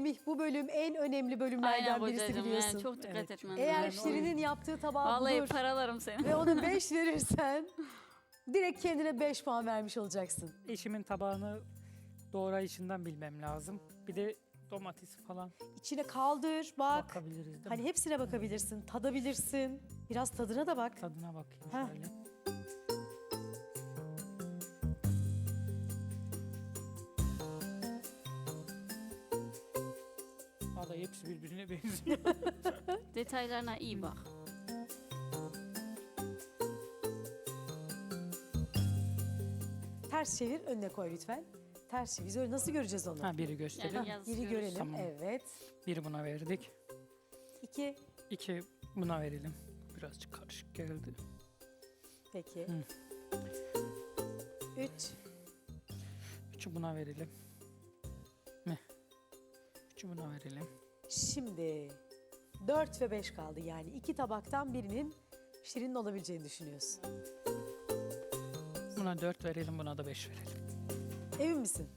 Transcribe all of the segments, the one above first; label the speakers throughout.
Speaker 1: Semih, bu bölüm en önemli bölümlerden
Speaker 2: Aynen
Speaker 1: birisi
Speaker 2: kocacığım
Speaker 1: biliyorsun.
Speaker 2: yani çok dikkat etmem
Speaker 1: Eğer
Speaker 2: lazım.
Speaker 1: Şirin'in yaptığı tabağı
Speaker 2: Vallahi
Speaker 1: bulur
Speaker 2: paralarım seni.
Speaker 1: ve ona 5 verirsen direkt kendine 5 puan vermiş olacaksın.
Speaker 3: Eşimin tabağını doğrayışından bilmem lazım. Bir de domates falan
Speaker 1: İçine kaldır, bak.
Speaker 3: bakabiliriz değil
Speaker 1: Hani
Speaker 3: mi?
Speaker 1: hepsine bakabilirsin, tadabilirsin. Biraz tadına da bak.
Speaker 3: Tadına bakayım
Speaker 1: Ha.
Speaker 3: şöyle. Vallahi hepsi birbirine benziyor.
Speaker 2: Detaylarına iyi bak.
Speaker 1: Ters çevir, önüne koy lütfen. Ters çevir. Biz öyle nasıl göreceğiz onu?
Speaker 3: Ha, biri gösterelim.
Speaker 2: Yani
Speaker 1: Ha,
Speaker 2: yazıyoruz.
Speaker 1: biri görelim.
Speaker 3: Tamam.
Speaker 1: Evet.
Speaker 3: Biri buna verdik.
Speaker 1: 2.
Speaker 3: 2 buna verelim. Birazcık karışık geldi.
Speaker 1: Peki.
Speaker 3: Hı.
Speaker 1: 3.
Speaker 3: 3'ü buna verelim. Ne? 3'ü buna verelim.
Speaker 1: Şimdi 4 ve 5 kaldı. Yani 2 tabaktan birinin Şirin'in olabileceğini düşünüyorsun.
Speaker 3: Buna 4 verelim, buna da 5 verelim.
Speaker 1: Emin misin?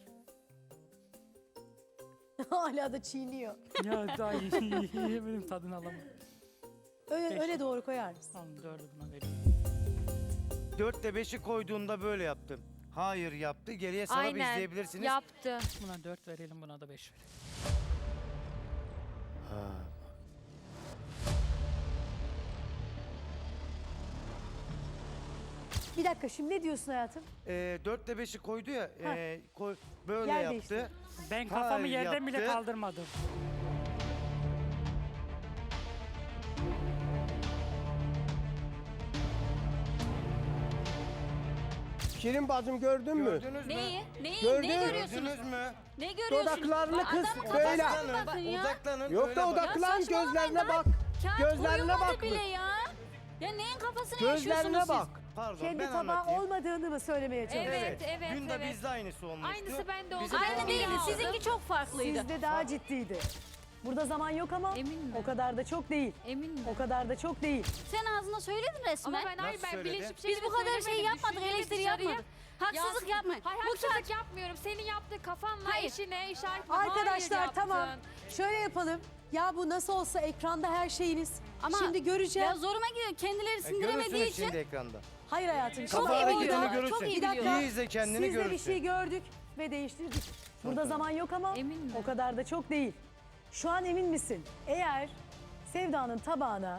Speaker 1: Hala da çiğniyor.
Speaker 3: Ya daha yiyemedim, tadını alamam. Beş.
Speaker 1: Öne doğru koyar mısın?
Speaker 3: Tamam, 4'ü buna vereyim.
Speaker 4: 4 ile 5'i koyduğunda böyle yaptım. Hayır yaptı. Geriye sana bir
Speaker 5: Aynen
Speaker 4: izleyebilirsiniz.
Speaker 5: yaptı.
Speaker 3: Buna 4 verelim, buna da 5 verelim.
Speaker 4: Ha.
Speaker 1: Bir dakika, şimdi ne diyorsun hayatım?
Speaker 4: 4 ile 5'i koydu ya.
Speaker 1: Ha.
Speaker 4: Böyle
Speaker 1: Yer
Speaker 4: yaptı.
Speaker 1: değiştir.
Speaker 3: Ben kafamı
Speaker 4: Hayır,
Speaker 3: yerden bile
Speaker 4: yaptı.
Speaker 3: kaldırmadım.
Speaker 6: Şirin bacım gördün mü?
Speaker 4: Gördünüz mü?
Speaker 2: Neyi? Neyi?
Speaker 6: Gördün.
Speaker 2: Ne görüyorsunuz?
Speaker 4: Gördünüz mü?
Speaker 2: Ne görüyorsunuz?
Speaker 6: Dudaklarını kız
Speaker 2: Adamın
Speaker 6: böyle.
Speaker 2: kafasına bakın ya.
Speaker 4: Odaklanın.
Speaker 6: Yok
Speaker 4: öyle
Speaker 6: da
Speaker 4: bak.
Speaker 6: odaklan,
Speaker 2: Ya saçmalamayın
Speaker 6: gözlerine
Speaker 2: lan.
Speaker 6: bak.
Speaker 2: Kağıt
Speaker 6: Gözlerine
Speaker 2: uyumadı
Speaker 6: bak.
Speaker 2: bile ya. Ya neyin kafasını yaşıyorsunuz
Speaker 6: Gözlerine
Speaker 2: siz?
Speaker 6: bak.
Speaker 4: Pardon
Speaker 1: Kendi
Speaker 4: ben
Speaker 1: tabağı
Speaker 4: anlatayım.
Speaker 1: olmadığını mı söylemeye çalışıyorsun?
Speaker 5: Evet, evet,
Speaker 4: Dün de
Speaker 5: evet.
Speaker 4: bizde aynısı olmuştu.
Speaker 5: Aynısı bende oldu.
Speaker 4: Bizim
Speaker 2: Aynı
Speaker 4: puanımız-
Speaker 2: değildi.
Speaker 5: aldım.
Speaker 2: Sizinki çok farklıydı.
Speaker 1: Sizde daha ciddiydi. Burada zaman yok ama
Speaker 5: Emin mi?
Speaker 1: o kadar da çok değil.
Speaker 5: Emin mi?
Speaker 1: O kadar da çok değil.
Speaker 2: Sen ağzına söyledin resmen.
Speaker 5: Ama ben hayır
Speaker 4: Nasıl
Speaker 5: ben
Speaker 4: söyledi?
Speaker 5: bilinçli bir
Speaker 2: Biz
Speaker 5: şekilde
Speaker 2: bu kadar şey
Speaker 5: söylemedim,
Speaker 2: yapmadık,
Speaker 5: düşündüm
Speaker 2: eleştiri
Speaker 5: dışarıya.
Speaker 2: yapmadık. Haksızlık
Speaker 5: Ya,
Speaker 2: yapmayın.
Speaker 5: Hayır
Speaker 2: Bu
Speaker 5: haksızlık yapmıyorum. Senin yaptığın kafanla
Speaker 2: Hayır.
Speaker 5: işine işaret.
Speaker 1: Arkadaşlar
Speaker 5: Hayır
Speaker 1: tamam.
Speaker 5: yaptın.
Speaker 1: Şöyle yapalım. Ya bu nasıl olsa ekranda her şeyiniz.
Speaker 2: Ama
Speaker 1: Şimdi göreceğim.
Speaker 2: ya zoruma gidiyor. Kendileri sindiremediği
Speaker 4: Görürsünüz
Speaker 2: için.
Speaker 4: şimdi ekranda.
Speaker 1: Hayır hayatım.
Speaker 2: Çok
Speaker 1: şimdi
Speaker 2: iyi
Speaker 4: Kafa
Speaker 2: biliyor.
Speaker 4: hareketini
Speaker 2: Çok
Speaker 4: görürsün.
Speaker 2: iyi
Speaker 1: Bir dakika.
Speaker 2: biliyor.
Speaker 4: İyi izle kendini
Speaker 1: Siz de bir
Speaker 4: görürsün.
Speaker 1: şey gördük ve değiştirdik. Burada zaman yok ama
Speaker 5: Emin mi?
Speaker 1: o kadar da çok değil. Şu an emin misin? Eğer Sevda'nın tabağına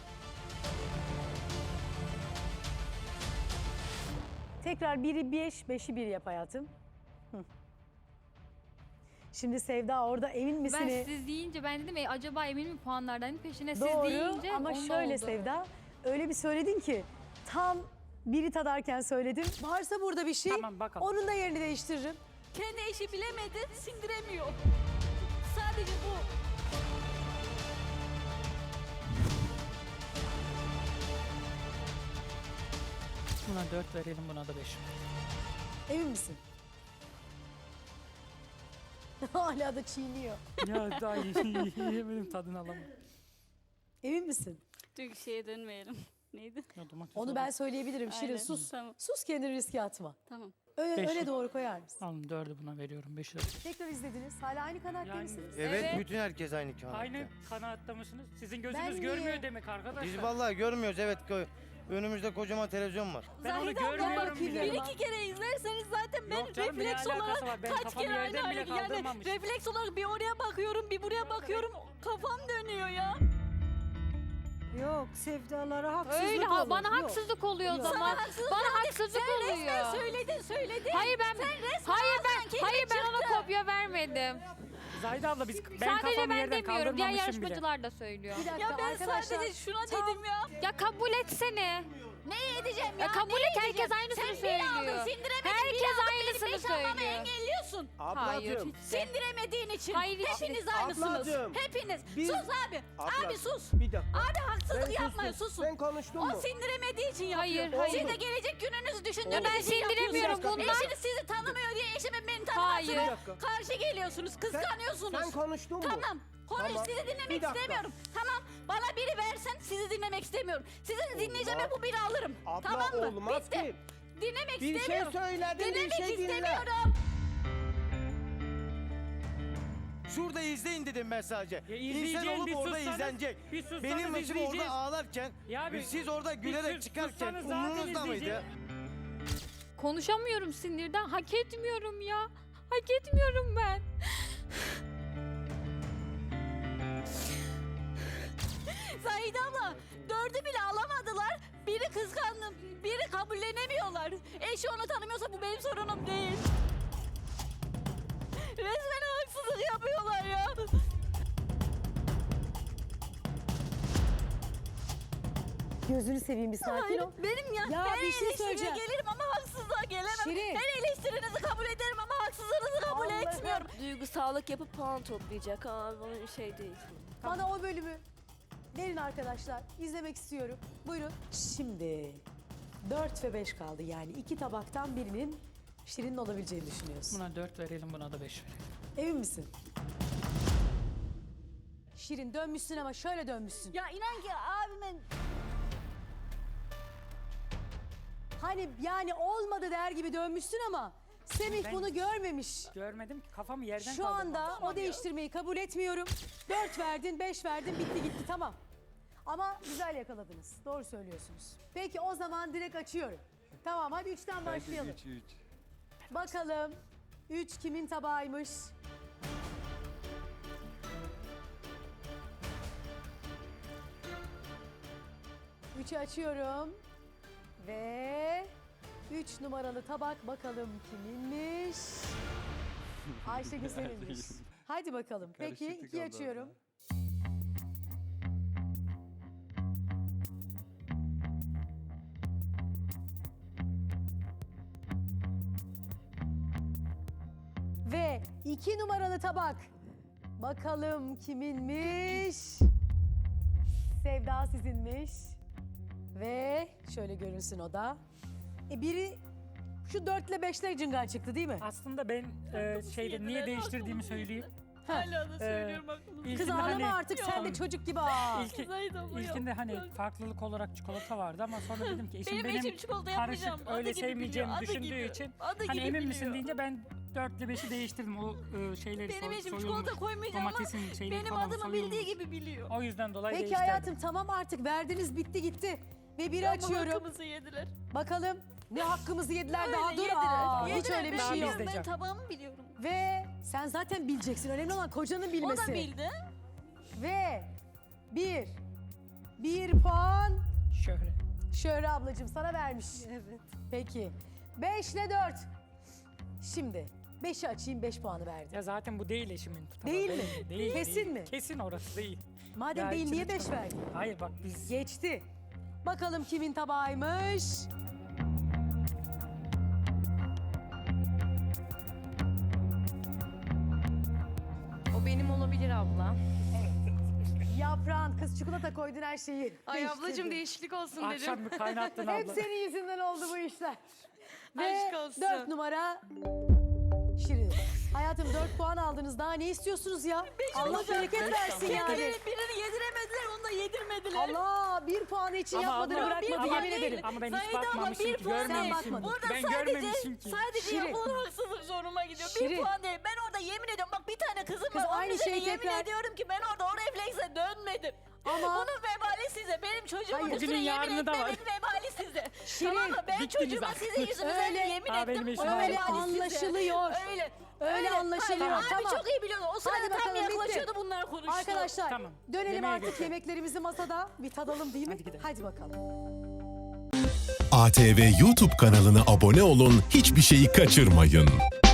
Speaker 1: tekrar biri 5, 5'i 1 yap hayatım. Hı. Şimdi Sevda orada emin misin?
Speaker 5: Ben siz deyince ben dedim acaba emin mi puanlardan peşine siz
Speaker 1: Doğru
Speaker 5: deyince
Speaker 1: ama
Speaker 5: onda
Speaker 1: şöyle
Speaker 5: oldu.
Speaker 1: Sevda, öyle bir söyledin ki tam biri tadarken söyledin. Varsa burada bir şey,
Speaker 3: Tamam, bakalım.
Speaker 1: onun da yerini değiştiririm.
Speaker 2: Kendi eşi bilemedi, sindiremiyor. Sadece bu.
Speaker 3: Buna 4 verelim, buna da 5 verelim.
Speaker 1: Emin misin? Hala da çiğniyor.
Speaker 3: Ya daha yiyemedim, tadını alamam.
Speaker 1: Emin misin?
Speaker 2: Dünkü şeye dönmeyelim. Neydi?
Speaker 3: Ya domates
Speaker 1: Onu ben söyleyebilirim. Şirin
Speaker 2: Aynen,
Speaker 1: sus.
Speaker 2: tamam.
Speaker 1: Sus, kendini riske atma.
Speaker 2: Tamam.
Speaker 1: Öne
Speaker 3: Beş.
Speaker 1: doğru koyar mısın?
Speaker 3: Alın, 4'ü buna veriyorum, 5'i de.
Speaker 1: Tekrar izlediniz. Hala aynı kanaatte
Speaker 3: Yani-
Speaker 1: misiniz?
Speaker 4: Evet,
Speaker 5: Evet.
Speaker 4: bütün herkes aynı kağıtta.
Speaker 3: Aynı kanaatta mısınız? Sizin
Speaker 1: Ben
Speaker 3: gözünüz
Speaker 1: niye?
Speaker 3: görmüyor demek arkadaşlar.
Speaker 4: Biz vallahi görmüyoruz evet. Önümüzde kocaman televizyon var.
Speaker 3: Ben onu
Speaker 2: Zahide abla,
Speaker 3: görmüyorum
Speaker 1: bakayım
Speaker 3: bile.
Speaker 1: ya.
Speaker 2: Bir iki kere izlerseniz zaten ben
Speaker 3: Yok canım, ne
Speaker 2: refleks
Speaker 3: alakası
Speaker 2: olarak
Speaker 3: var? Ben
Speaker 2: kaç
Speaker 3: kafamı
Speaker 2: kere aynı
Speaker 3: yerden bile
Speaker 2: yani
Speaker 3: kaldırmamışım.
Speaker 2: refleks olarak bir oraya bakıyorum bir buraya bakıyorum kafam dönüyor ya.
Speaker 1: Yok, Sevdalara haksızlık
Speaker 5: Öyle
Speaker 1: olur.
Speaker 5: bana
Speaker 1: Yok.
Speaker 5: haksızlık oluyor o
Speaker 1: Yok.
Speaker 5: zaman.
Speaker 2: haksızlık
Speaker 5: Bana
Speaker 2: oldu.
Speaker 5: haksızlık
Speaker 2: Sen
Speaker 5: oluyor.
Speaker 2: resmen söyledin.
Speaker 5: Hayır ben hayır ben ona kopya vermedim.
Speaker 3: Zahide abla ben
Speaker 5: Sadece
Speaker 3: kafamı
Speaker 5: ben
Speaker 3: yerden
Speaker 5: demiyorum. Diğer
Speaker 3: kaldırmamışım bile.
Speaker 5: yarışmacılar da söylüyor.
Speaker 1: Bir dakika
Speaker 2: Ya ben
Speaker 1: arkadaşlar.
Speaker 2: sadece şuna dedim ya.
Speaker 5: Ya kabul etsene.
Speaker 2: Ne edeceğim ya?
Speaker 5: Ya kabul
Speaker 2: ne
Speaker 5: et, herkes
Speaker 2: edeceğim?
Speaker 5: aynısını
Speaker 2: Sen
Speaker 5: söylüyor.
Speaker 2: bir aldın sindiremedin.
Speaker 5: Herkes
Speaker 2: bir aldın,
Speaker 5: aynısını
Speaker 2: benim beş almamı
Speaker 5: söylüyor.
Speaker 2: engelliyorsun.
Speaker 5: Hayır.
Speaker 6: Ablacığım.
Speaker 2: Sindiremediğin için.
Speaker 5: Hayır, hiç
Speaker 2: Hepiniz
Speaker 5: değil.
Speaker 2: aynısınız.
Speaker 6: Ablacığım,
Speaker 2: Hepiniz.
Speaker 6: biz-
Speaker 2: Sus abi.
Speaker 6: Abla,
Speaker 2: Abi sus.
Speaker 6: Bir dakika.
Speaker 2: Abi haksızlık
Speaker 6: Ben
Speaker 2: yapmayın
Speaker 6: sustum.
Speaker 2: susun.
Speaker 6: Ben konuştum
Speaker 2: O
Speaker 6: mu?
Speaker 2: sindiremediği için
Speaker 5: Hayır,
Speaker 2: yapıyor.
Speaker 5: hayır.
Speaker 2: Siz de gelecek gününüzü düşündüğünüz
Speaker 5: Ya ben
Speaker 2: için
Speaker 5: sindiremiyorum,
Speaker 2: yapıyorsunuz.
Speaker 5: bundan-
Speaker 2: Eşiniz sizi tanımıyor diye eşimin beni
Speaker 5: Hayır.
Speaker 2: tanımasına karşı geliyorsunuz. Kıskanıyorsunuz.
Speaker 6: Sen konuştun mu?
Speaker 2: Tamam. Konuş,
Speaker 6: Tamam.
Speaker 2: sizi
Speaker 6: Bir
Speaker 2: dinlemek
Speaker 6: dakika.
Speaker 2: istemiyorum. Tamam, bana biri versen sizi dinlemek istemiyorum. Sizin dinleyeceğime bu biri alırım.
Speaker 6: Abla,
Speaker 2: tamam mı?
Speaker 6: olmaz
Speaker 2: Bitti.
Speaker 6: ki.
Speaker 2: Dinlemek
Speaker 6: Bir şey
Speaker 2: istemiyorum.
Speaker 6: söyledin, bir
Speaker 2: Dinlemek
Speaker 6: şey dinle.
Speaker 2: istemiyorum.
Speaker 4: Şurada izleyin dedim ben sadece. İnsan
Speaker 3: izleyeceğin
Speaker 4: olup
Speaker 3: bir
Speaker 4: orada
Speaker 3: sussanız-
Speaker 4: izlenecek.
Speaker 3: bir sussanız
Speaker 4: Benim başım orada
Speaker 3: izleyeceğiz.
Speaker 4: ağlarken
Speaker 3: Ya bir-
Speaker 4: siz orada gülerek
Speaker 3: sus-
Speaker 4: çıkarken
Speaker 3: sussanız zaten
Speaker 4: umurunuzda mıydı?
Speaker 3: izleyeceğiz.
Speaker 5: Konuşamıyorum sinirden. Hak etmiyorum ya. Hak etmiyorum ben.
Speaker 2: Zahide abla 4'ü bile alamadılar. Biri kıskandı, biri kabullenemiyorlar. Eşi onu tanımıyorsa bu benim sorunum değil. Resmen haksızlık yapıyorlar ya.
Speaker 1: Gözünü seveyim bir sakin ol.
Speaker 2: Benim ya,
Speaker 1: Ya
Speaker 2: her
Speaker 1: bir şey
Speaker 2: eleştiriye
Speaker 1: söyleyeceğim.
Speaker 2: gelirim ama haksızlığa gelemem.
Speaker 1: Şirin.
Speaker 2: Her eleştirinizi kabul ederim ama haksızlığınızı kabul
Speaker 1: Allah'ım.
Speaker 2: etmiyorum.
Speaker 7: Duygusallık yapıp puan toplayacak. Bunun şey değil.
Speaker 1: Bana o bölümü verin arkadaşlar. İzlemek istiyorum. Buyurun. Şimdi 4 ve 5 kaldı. Yani 2 tabaktan birinin Şirin'in olabileceğini düşünüyorsun.
Speaker 3: Buna 4 verelim, buna da 5 verelim.
Speaker 1: Emin misin? Şirin dönmüşsün ama şöyle dönmüşsün.
Speaker 2: Ya inan ki abimin
Speaker 1: Hani yani olmadı der gibi dönmüşsün ama Semih
Speaker 3: Ben-
Speaker 1: bunu görmemiş.
Speaker 3: Görmedim ki, kafamı yerden
Speaker 1: Şu anda o değiştirmeyi kabul etmiyorum. 4 verdin, 5 verdin, bitti gitti tamam. Ama güzel yakaladınız. Doğru söylüyorsunuz. Peki o zaman direkt açıyorum. Tamam hadi 3'ten başlayalım. Bakalım 3 kimin tabağıymış? Üçü açıyorum. Ve 3 numaralı tabak bakalım kiminmiş? Ayşegül seninmiş. Hadi bakalım. Peki 2'yi açıyorum. Ve 2 numaralı tabak. Bakalım kiminmiş? Sevda sizinmiş. Ve şöyle görünsün o da. Biri şu 4 ile 5'le cıngar çıktı değil mi?
Speaker 3: Aslında ben şeyde niye değiştirdiğimi söyleyeyim.
Speaker 2: hala da
Speaker 3: Ee,
Speaker 2: söylüyorum aklımda.
Speaker 1: Kız
Speaker 3: İlkinde
Speaker 1: ağlama
Speaker 3: hani-
Speaker 1: artık sen de çocuk gibi ağla.
Speaker 3: İlki,
Speaker 2: Zahide abla
Speaker 3: ilkinde
Speaker 2: yok.
Speaker 3: hani farklılık olarak çikolata vardı ama sonra dedim ki eşim
Speaker 2: Benim
Speaker 3: benim
Speaker 2: eşim çikolata
Speaker 3: karışık
Speaker 2: yapmayacağım.
Speaker 3: öyle
Speaker 2: Adı gibi
Speaker 3: sevmeyeceğimi
Speaker 2: biliyor, adı
Speaker 3: düşündüğü
Speaker 2: gibi.
Speaker 3: için
Speaker 2: Adı
Speaker 3: hani
Speaker 2: gibi
Speaker 3: emin misin
Speaker 2: biliyor.
Speaker 3: deyince ben 4 ile 5'i değiştirdim. O şeyleri
Speaker 2: Benim eşim
Speaker 3: soyulmuş,
Speaker 2: çikolata koymayacağım ama
Speaker 3: domatesin şeyleri
Speaker 2: benim
Speaker 3: falan
Speaker 2: adımı
Speaker 3: soyulmuş.
Speaker 2: bildiği gibi biliyor.
Speaker 3: O yüzden dolayı
Speaker 1: Peki
Speaker 3: değiştirdim.
Speaker 1: hayatım tamam artık verdiniz bitti gitti. Ve biri
Speaker 2: Ama
Speaker 1: açıyorum.
Speaker 2: hakkımızı yediler.
Speaker 1: Bakalım ne hakkımızı yediler
Speaker 2: Öyle
Speaker 1: daha dur.
Speaker 2: yediler.
Speaker 1: Aa, hiç
Speaker 2: Yediler,
Speaker 1: öyle bir
Speaker 2: ben
Speaker 1: şey yok.
Speaker 2: biliyorum, Ben
Speaker 3: İzleyeceğim.
Speaker 2: tabağımı biliyorum.
Speaker 1: Ve sen zaten bileceksin. Önemli olan kocanın
Speaker 2: O
Speaker 1: bilmesi.
Speaker 2: da bildi.
Speaker 1: Ve bir puan
Speaker 3: Şöyle.
Speaker 1: Şöhre ablacığım sana vermiş. Evet. Peki 5 ile 4. Şimdi 5'i açayım 5 puanı verdi.
Speaker 3: Ya zaten bu değil eşimin tabağı.
Speaker 1: Değil mi?
Speaker 3: Değil,
Speaker 1: Kesin
Speaker 3: değil.
Speaker 1: mi?
Speaker 3: Kesin orası değil.
Speaker 1: Madem
Speaker 3: Ya
Speaker 1: değil
Speaker 3: içine
Speaker 1: niye 5
Speaker 3: çıkamam.
Speaker 1: verdi?
Speaker 3: Hayır bak biz
Speaker 1: Geçti. Bakalım kimin tabağıymış?
Speaker 5: O benim olabilir abla.
Speaker 1: Yaprağın kız çikolata koydun her şeyi.
Speaker 5: Ay
Speaker 1: değiştirdin.
Speaker 5: ablacığım değişiklik olsun dedim.
Speaker 3: akşam bir kaynattın
Speaker 1: Hep
Speaker 3: abla.
Speaker 1: senin yüzünden oldu bu işler. Ve
Speaker 5: Aşk olsun.
Speaker 1: 4 numara Şirin. Hayatım 4 puan aldınız. Daha ne istiyorsunuz ya? Allah bereket versin yani.
Speaker 2: Birini yediremediler, onu da yedirmediler.
Speaker 1: Allah 1 puanı için
Speaker 3: Ama
Speaker 1: yapmadığını
Speaker 3: abla,
Speaker 1: bırakmadı
Speaker 3: ama-
Speaker 1: yemin ederim.
Speaker 3: Ama ben hiç
Speaker 2: Zahide abla,
Speaker 3: bakmamışım
Speaker 2: bir
Speaker 3: ki,
Speaker 2: puan
Speaker 3: görmemişim.
Speaker 1: değil.
Speaker 2: Burada
Speaker 3: Ben
Speaker 2: sadece,
Speaker 3: görmemişim ki.
Speaker 2: sadece
Speaker 1: Şirin.
Speaker 2: yapılan haksızlık zoruma gidiyor.
Speaker 1: Şirin.
Speaker 2: Bir puan değil. Ben orada yemin ediyorum bak bir tane kızım
Speaker 1: Kız
Speaker 2: var. Onun
Speaker 1: aynı
Speaker 2: üzerine
Speaker 1: şeyi
Speaker 2: yemin
Speaker 1: tekrar-
Speaker 2: ediyorum ki ben orada o reflekse dönmedim.
Speaker 1: Ama-
Speaker 2: Bunun vebali size. Benim çocuğumun
Speaker 1: Hayır.
Speaker 2: üstüne
Speaker 3: Bugünün
Speaker 2: yemin
Speaker 3: yarını da var.
Speaker 2: etmemin vebali size.
Speaker 1: Şirin,
Speaker 2: Tamam mı? Ben
Speaker 3: bittiniz
Speaker 2: çocuğuma
Speaker 3: artık.
Speaker 2: sizin yüzünüzden
Speaker 1: Öyle.
Speaker 2: yemin
Speaker 3: Aa, benim
Speaker 2: ettim.
Speaker 3: eşim
Speaker 2: Bunun
Speaker 3: öyle
Speaker 2: vebali size.
Speaker 1: anlaşılıyor.
Speaker 2: Öyle.
Speaker 1: Öyle anlaşılıyor,
Speaker 2: Hayır,
Speaker 1: tamam.
Speaker 2: Abi çok iyi biliyordu. O sırada
Speaker 1: Hadi
Speaker 2: tam
Speaker 1: bakalım, bitti.
Speaker 2: yaklaşıyordu bunlar konuştu.
Speaker 1: Arkadaşlar
Speaker 3: Tamam.
Speaker 1: dönelim
Speaker 3: Yemeğe
Speaker 1: artık
Speaker 3: geçelim.
Speaker 1: yemeklerimizi masada bir tadalım değil mi?
Speaker 3: Hadi gidelim.
Speaker 1: Hadi bakalım.
Speaker 8: ATV YouTube kanalına abone olun, hiçbir şeyi kaçırmayın.